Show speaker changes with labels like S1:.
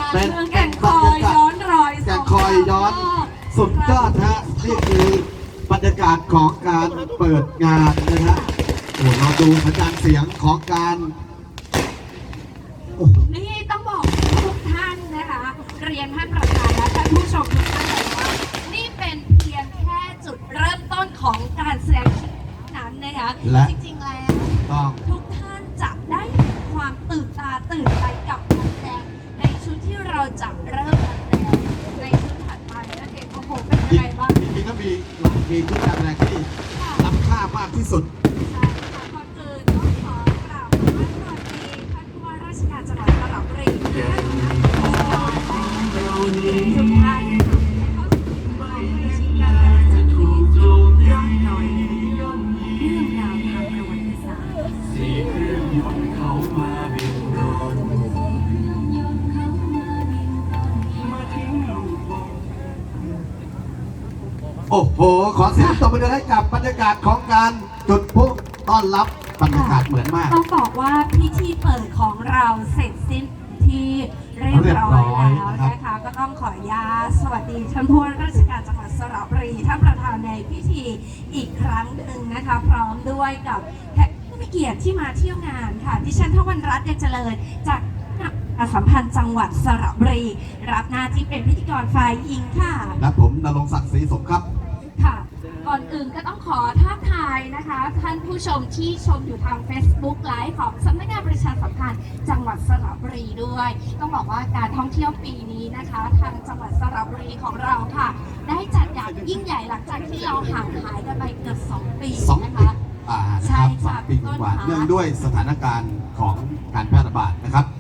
S1: เป็นเมืองแก่งคอยย้อนรอยแก่งคอยย้อนสุดยอดฮะนี่คือบรรยากาศของการเปิดงานนะฮะโอ้เราดูสัญญาณเสียงของการ
S2: นี่ต้องบอกทุกท่านนะคะเรียนท่านประธานและท่านผู้ชมทุกท่านเลยว่านี่เป็นเพียงแค่จุดเริ่มต้นของการแสดงนั้นนะคะจริงๆแล้วทุกท่านจะได้ความตื่นตาตื่นใจกับการแสดงในชุดที่เราจะเริ่มแสดงในชุดถัดไปนั่นเองโอ้โหเป็นยังไงบ้าง
S1: จริงๆก็มีหลายเพลงที่การแสดงที่ล้ำค่ามากที่สุด
S2: ใช่ค่ะก่อนอื่นต้องขอกราบขอบพระคุณท่านผู้ว่าราชการจังหวัดสระบุรีทุกท่านที่เข้าสู่เรื่องราวทางประวัติศาสตร์
S3: สี่เครื่องยนต์เขามาบินโดรนมาทิ้งลูกบอล
S1: โอ้โหขอเสียงตบมือให้กับบรรยากาศของการจุดพลุต้อนรับบรรยากาศเหมือนมาก
S2: ต้องบอกว่าพิธีเปิดของเราเสร็จสิ้นที่เรียบร้อยแล้วนะคะก็ต้องขออนุญาตสวัสดีท่านผู้ว่าราชการจังหวัดสระบุรีท่านประธานในพิธีอีกครั้งหนึ่งนะคะพร้อมด้วยกับแขกผู้มีเกียรติที่มาเที่ยวงานค่ะดิฉันทวันรัตน์ยังเจริญจากประชาสัมพันธ์จังหวัดสระบุรีรับหน้าที่เป็นพิธีกรฝ่ายหญิงค่ะ
S1: และผมณรงค์ศักดิ์ศรีสมครับ
S2: ค่ะก่อนอื่นก็ต้องขอทักทายนะคะท่านผู้ชมที่ชมอยู่ทาง Facebook Live ของสำนักงานประชาสัมพันธ์จังหวัดสระบุรีด้วยต้องบอกว่าการท่องเที่ยวปีนี้นะคะทางจังหวัดสระบุรีของเราค่ะได้จัดอย่างยิ่งใหญ่หลังจากที่เราห่างหายกันไปเกือบ2 ปีนะคะ
S1: ใช่ครับ2 ปีกว่าเนื่องด้วยสถานการณ์ของการแพร่ระบาดนะครับ